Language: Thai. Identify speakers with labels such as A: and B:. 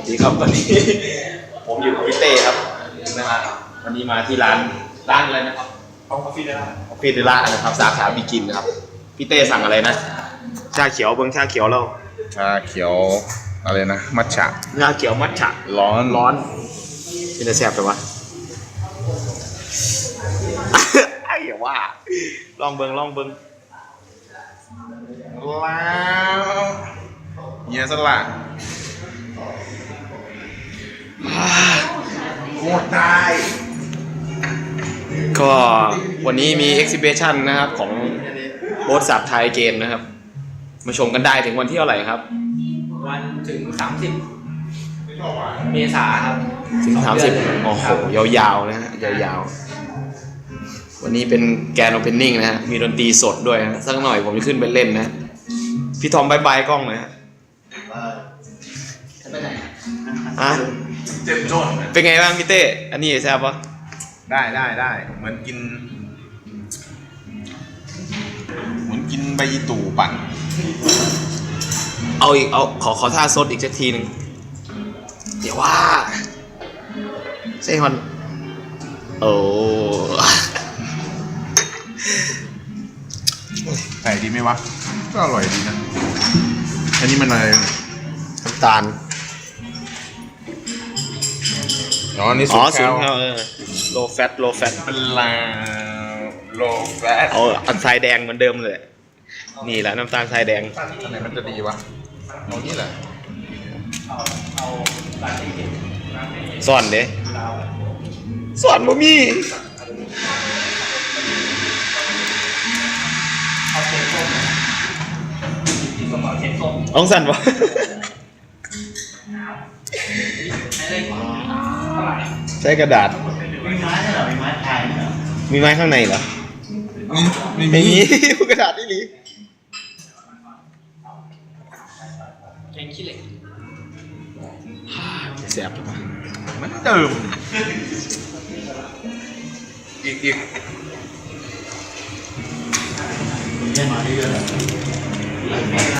A: สวัสดีครับวันนี้ผมอยู่กับพี่เต้ครับนะฮะวันนี้มาที่ร้านอะไรนะครับคาเฟ่เดล่านะครับสาขาบิกินนะครับพี่เต้สั่งอะไรนะชาเขียวเบิ้งชาเขียวเรา
B: ชาเขียวอะไรนะมัทฉะ
A: ชาเขียวมัทฉะ
B: ร้อน
A: เป็นจะแซ่บไปวะ ไอ้อย่าว่าลองเบิ้ง
B: แล้วเฮียสละโคตรได้
A: ก็วันนี้มี exhibition นะครับของโบ๊ทสับไทยเกมนะครับมาชมกันได้ถึงวันที่เท่าไหร่ครับ
C: วันถึง30 เมษายนครับ
A: ถึง30โอ้โหยาวๆนะฮะยาวๆวันนี้เป็นแกรนด์โอเพนนิ่งนะฮะมีดนตรีสดด้วยนะสักหน่อยผมจะขึ้นไปเล่นนะพี่ทอมบายกล้องหน่อยฮะฮะ
B: เจ็บจน
A: เป็นไงบ้างพี่เต้อันนี้แซ่บปะ
B: ได้เหมือนกินใบยีตู่ปั่น
A: เอาอีกขอท่าซดอีกสักทีหนึ่งเดี๋ยวว่าเซ่ฮอนโอ้
B: ใส่ดีไหมวะก็อร่อยดีนะอันนี้มันอะไร
A: น้ำตาล
B: นี่สูงแคล
A: โลแฟต
B: เป็นลาโลแฟต
A: เอาทรายแดงเหมือนเดิมเลยนี่แหละน้ำตาลทรายแดง
B: อันไหนมันจะดีวะเอานี่แหละ
A: สอนเด้สอนบ่มีเอาสั่นวะใช้กระดาษมีไม้ข้างในเหรอไม่มีกระดาษนี่หรือ
C: แกงขี้เหล็ก
A: แซ่บ
B: มันเติมอีก
C: เรียกมาเรื่อยๆ